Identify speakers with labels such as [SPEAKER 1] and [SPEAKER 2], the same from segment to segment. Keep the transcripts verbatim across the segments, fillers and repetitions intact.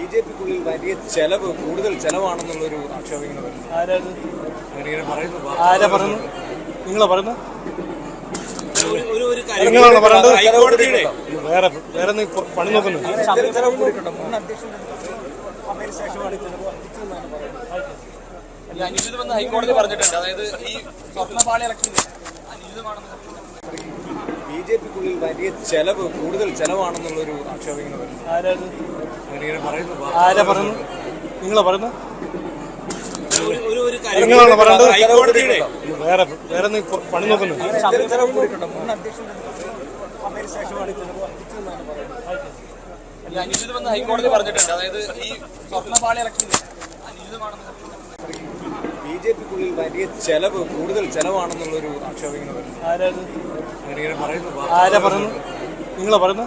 [SPEAKER 1] J പിക്കുള്ളിൽ വലിയ ചെലവ് കൂടുതൽ ചെലവാണെന്നുള്ളൊരു ആക്ഷേപം ഇങ്ങനെ വരുന്നു. അങ്ങനെ പറയുന്നു.
[SPEAKER 2] ആരാ പറയുന്നു? നിങ്ങളാ പറയുന്നത്? വേറെ വേറെ പണി നോക്കുന്നു.
[SPEAKER 3] അനുചിതമെന്ന് ഹൈക്കോടതി പറഞ്ഞിട്ടുണ്ട്. അതായത് ഈ സ്വർണ്ണപാളി ഇലക്ഷൻ അനുചിതമാണെന്ന്
[SPEAKER 1] ബി ജെ പിക്കുള്ളിൽ വലിയ ചെലവ് കൂടുതൽ ചെലവാണെന്നുള്ളൊരു ആക്ഷേപം ഇങ്ങനെ വരുന്നു. അങ്ങനെ പറയുന്നു.
[SPEAKER 2] ആരാ പറയുന്നു? നിങ്ങളാ പറയുന്നത്? വേറെ വേറെ പണി നോക്കുന്നു.
[SPEAKER 3] അനുചിതമെന്ന് ഹൈക്കോടതി പറഞ്ഞിട്ടുണ്ട്. അതായത് ഈ സ്വർണ്ണപാളി ഇലക്ഷൻ അനുചിതമാണെന്ന്
[SPEAKER 1] ബി ജെ പിക്കുള്ളിൽ വലിയ ചെലവ് കൂടുതൽ ചെലവാണെന്നുള്ളൊരു ആക്ഷേപം ഇങ്ങനെ വരുന്നു. അങ്ങനെ പറയുന്നു.
[SPEAKER 2] ആരാ പറയുന്നു? നിങ്ങളാ പറയുന്നത്?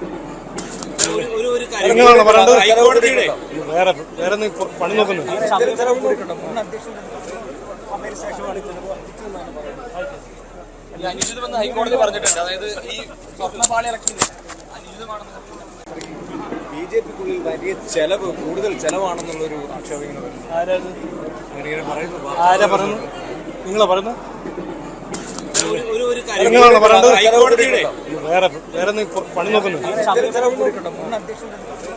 [SPEAKER 2] വേറെ വേറെ പണി നോക്കുന്നു.
[SPEAKER 3] അനുചിതമെന്ന് ഹൈക്കോടതി പറഞ്ഞിട്ടുണ്ട്. അതായത് ഈ സ്വർണ്ണപാളി ഇലക്ഷൻ അനുചിതമാണെന്ന്
[SPEAKER 1] ബി ജെ പിക്കുള്ളിൽ വലിയ ചെലവ് കൂടുതൽ ചെലവാണെന്നുള്ളൊരു ആക്ഷേപം ഇങ്ങനെ വരുന്നു. അങ്ങനെ പറയുന്നു.
[SPEAKER 2] ആരാ പറയുന്നു? നിങ്ങളാ പറയുന്നത്?
[SPEAKER 3] ഹൈക്കോടതി
[SPEAKER 2] വേറെ വേറെ പണി നോക്കുന്നു.